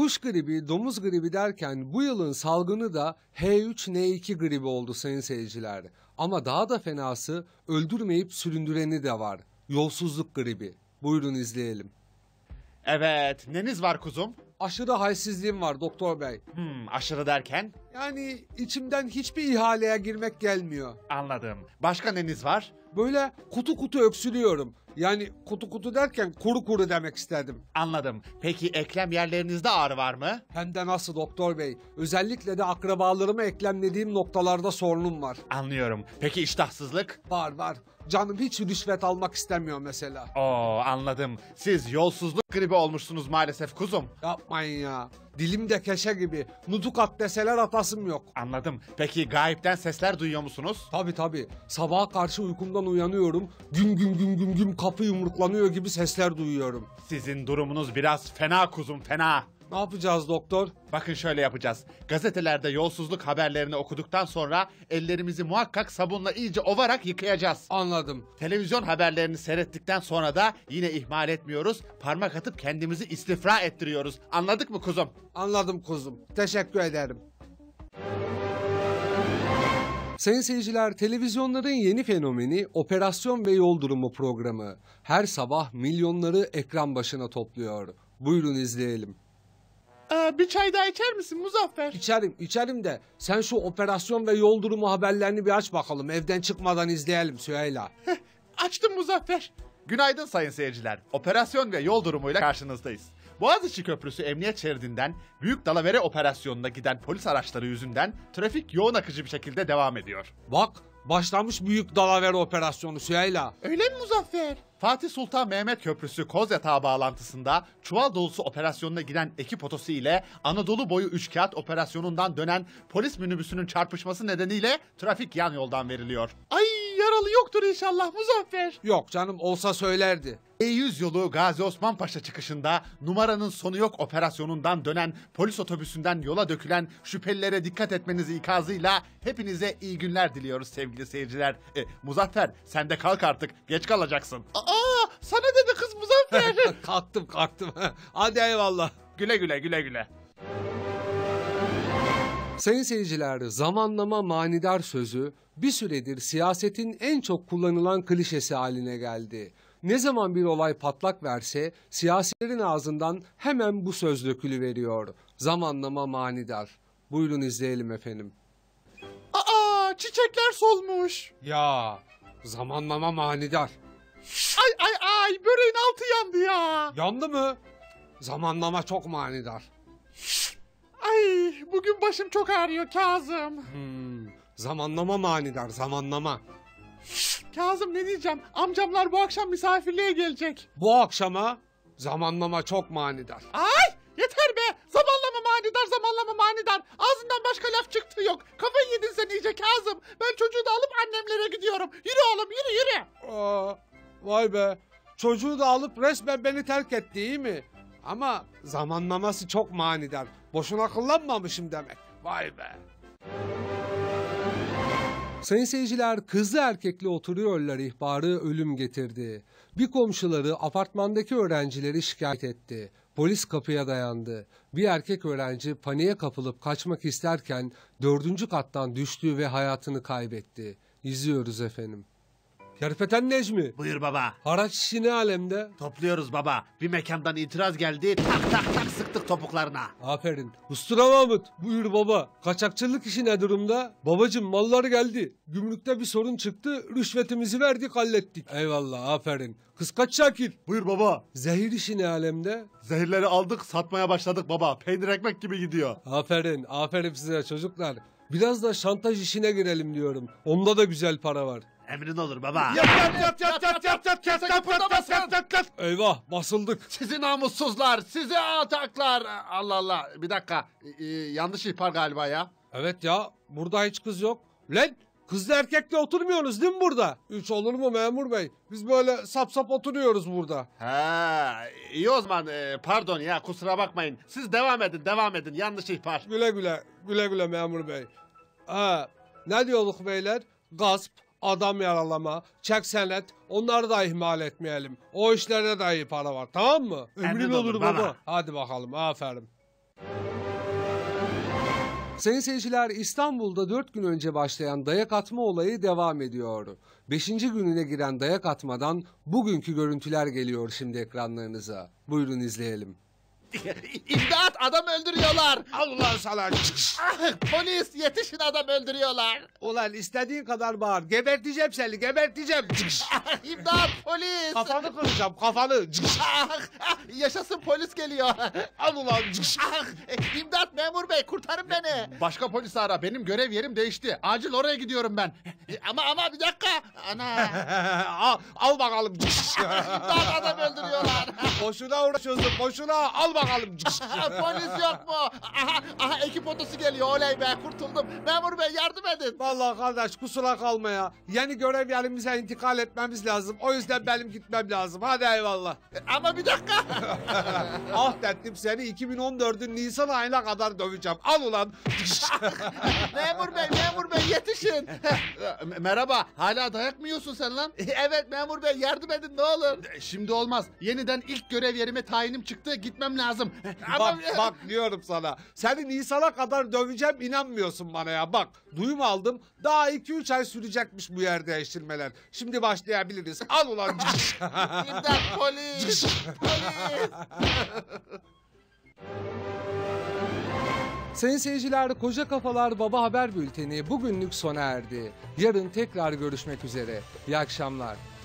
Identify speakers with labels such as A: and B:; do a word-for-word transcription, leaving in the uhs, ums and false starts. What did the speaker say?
A: Kuş gribi, domuz gribi derken bu yılın salgını da H üç N iki gribi oldu sayın seyirciler. Ama daha da fenası öldürmeyip süründüreni de var. Yolsuzluk gribi. Buyurun izleyelim.
B: Evet, neniz var kuzum?
A: Aşırı halsizliğim var doktor bey.
B: Hmm, aşırı derken?
A: Yani içimden hiçbir ihaleye girmek gelmiyor.
B: Anladım. Başka neniz var?
A: Böyle kutu kutu öksürüyorum. Yani kutu kutu derken kuru kuru demek istedim.
B: Anladım. Peki eklem yerlerinizde ağrı var mı?
A: Hem de nasıl doktor bey? Özellikle de akrabalarıma eklemlediğim noktalarda sorunum var.
B: Anlıyorum. Peki iştahsızlık?
A: Var var. Canım hiç rüşvet almak istemiyor mesela.
B: Oo, anladım. Siz yolsuzluk gribi olmuşsunuz maalesef kuzum.
A: Yapmayın ya. Dilim de keşe gibi. Nutuk at deseler atasım yok.
B: Anladım. Peki gayipten sesler duyuyor musunuz?
A: Tabii tabii. Sabaha karşı uykumdan uyanıyorum. Güm güm güm güm güm kapı yumruklanıyor gibi sesler duyuyorum.
B: Sizin durumunuz biraz fena kuzum, fena.
A: Ne yapacağız doktor?
B: Bakın şöyle yapacağız. Gazetelerde yolsuzluk haberlerini okuduktan sonra ellerimizi muhakkak sabunla iyice ovarak yıkayacağız.
A: Anladım.
B: Televizyon haberlerini seyrettikten sonra da yine ihmal etmiyoruz. Parmak atıp kendimizi istifra ettiriyoruz. Anladık mı kuzum?
A: Anladım kuzum. Teşekkür ederim. Sayın seyirciler, televizyonların yeni fenomeni operasyon ve yol durumu programı. Her sabah milyonları ekran başına topluyor. Buyurun izleyelim.
B: Ee, bir çay daha içer misin Muzaffer?
A: İçerim, içerim de sen şu operasyon ve yol durumu haberlerini bir aç bakalım. Evden çıkmadan izleyelim Süheyla.
B: Açtım Muzaffer. Günaydın sayın seyirciler. Operasyon ve yol durumuyla karşınızdayız. Boğaziçi Köprüsü Emniyet Şeridi'nden Büyük Dalavere Operasyonu'na giden polis araçları yüzünden trafik yoğun akıcı bir şekilde devam ediyor.
A: Bak, başlamış büyük dalavere operasyonu Süheyla.
B: Öyle mi Muzaffer? Fatih Sultan Mehmet Köprüsü Kozyatağı bağlantısında çuval dolusu operasyonuna giden ekip otosu ile Anadolu boyu üçkağıt operasyonundan dönen polis minibüsünün çarpışması nedeniyle trafik yan yoldan veriliyor. Ay yaralı yoktur inşallah Muzaffer.
A: Yok canım, olsa söylerdi.
B: E yüz yolu Gazi Osman Paşa çıkışında numaranın sonu yok operasyonundan dönen polis otobüsünden yola dökülen şüphelilere dikkat etmenizi ikazıyla hepinize iyi günler diliyoruz sevgili seyirciler. E, Muzaffer sen de kalk artık, geç kalacaksın. Aa, sana dedi kız Muzaffer.
A: Kalktım kalktım. Hadi eyvallah.
B: Güle güle güle güle.
A: Sayın seyirciler, zamanlama manidar sözü bir süredir siyasetin en çok kullanılan klişesi haline geldi. Ne zaman bir olay patlak verse siyasilerin ağzından hemen bu söz dökülüveriyor. Zamanlama manidar. Buyurun izleyelim efendim.
B: Aa, çiçekler solmuş.
A: Ya, zamanlama manidar.
B: Ay ay ay, böreğin altı yandı ya.
A: Yandı mı? Zamanlama çok manidar.
B: Ay, bugün başım çok ağrıyor Kazım.
A: Hmm, zamanlama manidar, zamanlama.
B: Kazım ne diyeceğim? Amcamlar bu akşam misafirliğe gelecek.
A: Bu akşama zamanlama çok manidar.
B: Ay yeter be! Zamanlama manidar, zamanlama manidar. Ağzından başka laf çıktı yok. Kafayı yedin sen iyice Kazım. Ben çocuğu da alıp annemlere gidiyorum. Yürü oğlum, yürü yürü.
A: Aa, vay be. Çocuğu da alıp resmen beni terk etti, iyi mi? Ama zamanlaması çok manidar. Boşuna kullanmamışım demek. Vay be. Sayın seyirciler, kızlı erkekli oturuyorlar ihbarı ölüm getirdi. Bir komşuları apartmandaki öğrencileri şikayet etti. Polis kapıya dayandı. Bir erkek öğrenci paniğe kapılıp kaçmak isterken dördüncü kattan düştü ve hayatını kaybetti. İzliyoruz efendim. Kerpeten Necmi.
B: Buyur baba.
A: Haraç işi ne alemde?
B: Topluyoruz baba. Bir mekandan itiraz geldi. Tak tak tak sıktık topuklarına.
A: Aferin. Ustura Mahmut. Buyur baba. Kaçakçılık işi ne durumda? Babacım mallar geldi. Gümrükte bir sorun çıktı. Rüşvetimizi verdik, hallettik. Eyvallah, aferin. Kıskaç Şakir.
B: Buyur baba.
A: Zehir işi ne alemde?
B: Zehirleri aldık, satmaya başladık baba. Peynir ekmek gibi gidiyor.
A: Aferin. Aferin size çocuklar. Biraz da şantaj işine girelim diyorum. Onda da güzel para var.
B: Emrin olur baba.
A: Yat yat yat yat yat yat yat yat yat yat yat yat. Eyvah, basıldık.
B: Sizi namussuzlar, sizi ataklar. Allah Allah. Bir dakika. Ee, yanlış ihbar galiba ya.
A: Evet ya, burada hiç kız yok. Lan, kızla erkekle oturmuyorsunuz değil mi burada? Üç olur mu memur bey? Biz böyle sap sap oturuyoruz burada.
B: Ha, iyi o zaman. Ee, pardon ya, kusura bakmayın. Siz devam edin, devam edin. Yanlış ihbar.
A: Güle güle, güle güle memur bey. Ha, ne diyorduk beyler? Gasp, adam yaralama, çek senet, onları da ihmal etmeyelim. O işlerde de iyi para var, tamam mı?
B: Emrin olur baba.
A: Hadi bakalım, aferin. Sayın seyirciler, İstanbul'da dört gün önce başlayan dayak atma olayı devam ediyor. Beşinci gününe giren dayak atmadan bugünkü görüntüler geliyor şimdi ekranlarınıza. Buyurun izleyelim.
B: İmdat, adam öldürüyorlar.
C: Al ulan sana.
B: Ah, polis yetişin, adam öldürüyorlar.
C: Ulan istediğin kadar bağır. Geberteceğim seni, geberteceğim.
B: Ah, İmdat, polis.
C: Kafanı kıracağım, kafanı.
B: Ah, ah, yaşasın, polis geliyor.
C: Al ulan.
B: Ah, İmdat memur bey, kurtarın beni. Başka polis ara, benim görev yerim değişti. Acil oraya gidiyorum ben. Ama ama bir dakika. Ana.
C: al, al bakalım.
B: İmdat, adam öldürüyorlar.
C: Boşuna uğraşıyorsun, boşuna. Al bakalım.
B: Polis yok mu? Aha, aha ekip otosu geliyor, oley be, kurtuldum. Memur bey yardım edin.
C: Vallahi kardeş kusura kalma ya. Yeni görev yerimize intikal etmemiz lazım. O yüzden benim gitmem lazım. Hadi eyvallah.
B: Ama bir dakika.
C: Ah dedim seni iki bin on dördün Nisan ayına kadar döveceğim. Al ulan.
B: Memur bey, memur bey yetişin. Merhaba, hala dayak mı yiyorsun sen lan? Evet memur bey, yardım edin ne olur. Şimdi olmaz. Yeniden ilk görev yerime tayinim çıktı, gitmem lazım.
C: Bak bak diyorum sana. Seni Nisan'a kadar döveceğim, inanmıyorsun bana ya. Bak duyum aldım. Daha iki üç ay sürecekmiş bu yer değiştirmeler. Şimdi başlayabiliriz. Al ulan.
B: İmdat, polis. Polis.
A: Sayın seyirciler, Koca Kafalar Baba Haber Bülteni bugünlük sona erdi. Yarın tekrar görüşmek üzere. İyi akşamlar.